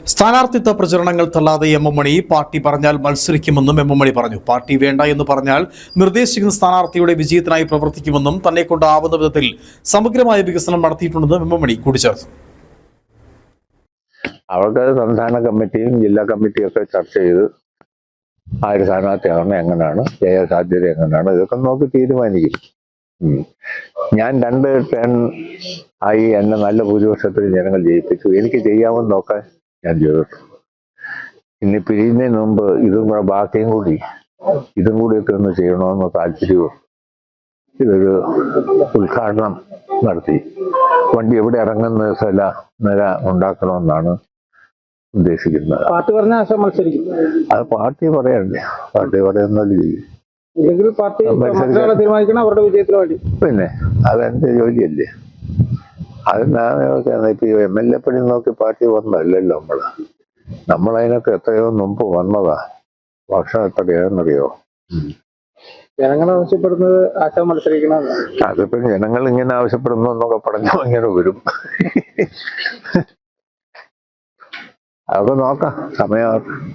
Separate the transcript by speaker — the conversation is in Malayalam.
Speaker 1: സ്ഥാനാർത്ഥിത്വ പ്രചരണങ്ങൾ തള്ളാതെ എം എം മണി പാർട്ടി പറഞ്ഞാൽ മത്സരിക്കുമെന്നും എം എം മണി പറഞ്ഞു. പാർട്ടി വേണ്ട എന്ന് പറഞ്ഞാൽ നിർദ്ദേശിക്കുന്ന സ്ഥാനാർത്ഥിയുടെ വിജയത്തിനായി പ്രവർത്തിക്കുമെന്നും തന്നെ കൊണ്ടാവുന്ന വിധത്തിൽ സമഗ്രമായ വികസനം നടത്തിയിട്ടുണ്ടെന്നും എം എം മണി കൂട്ടിച്ചേർത്തു.
Speaker 2: അവർക്ക് സംസ്ഥാന കമ്മിറ്റിയും ജില്ലാ കമ്മിറ്റിയും ഒക്കെ ചർച്ച ചെയ്ത് ആ ഒരു സ്ഥാനാർത്ഥിയാവണം, എങ്ങനെയാണ് ജയ സാധ്യത, എങ്ങനെയാണ് ഇതൊക്കെ നോക്കി തീരുമാനിക്കും. ഞാൻ 2 ടേൺ ആയി എന്നെ നല്ല ഭൂരിപക്ഷത്തിൽ ജനങ്ങൾ ജയിപ്പിച്ചു. എനിക്ക് ചെയ്യാമെന്ന് നോക്കാൻ ഞാൻ ചെയ്തിട്ടു. ഇനി പിരിയുന്നതിന് മുമ്പ് ഇതും കൂടെ ബാക്കിയും കൂടിയൊക്കെ ഒന്ന് ചെയ്യണമെന്ന് താല്പര്യവും ഇതൊരു ഉദ്ഘാടനം നടത്തി വണ്ടി എവിടെ ഇറങ്ങുന്ന നില ഉണ്ടാക്കണമെന്നാണ് ഉദ്ദേശിക്കുന്നത്.
Speaker 3: പാർട്ടി പറഞ്ഞ മത്സരിക്കും.
Speaker 2: അത് പാർട്ടി പറയണ്ടേ, പാർട്ടി പറയുന്നത് ചെയ്യും.
Speaker 3: തീരുമാനിക്കണം അവരുടെ വിജയത്തിന് വേണ്ടി.
Speaker 2: പിന്നെ അതെന്റെ ജോലിയല്ലേ. അത് ഇപ്പൊ MLA പണി നോക്കി പാർട്ടി വന്നല്ലോ. നമ്മളതിനൊക്കെ എത്രയോ മുമ്പ് വന്നതാ. വർഷം എത്രയാണെന്നറിയോ?
Speaker 3: ജനങ്ങൾ ആവശ്യപ്പെടുന്നത് ആശാ മത്സരിക്കണം.
Speaker 2: അതിപ്പോ ജനങ്ങൾ ഇങ്ങനെ ആവശ്യപ്പെടുന്നു എന്നൊക്കെ പറഞ്ഞു ഇങ്ങനെ വരും. അതൊക്കെ നോക്കാം, സമയം.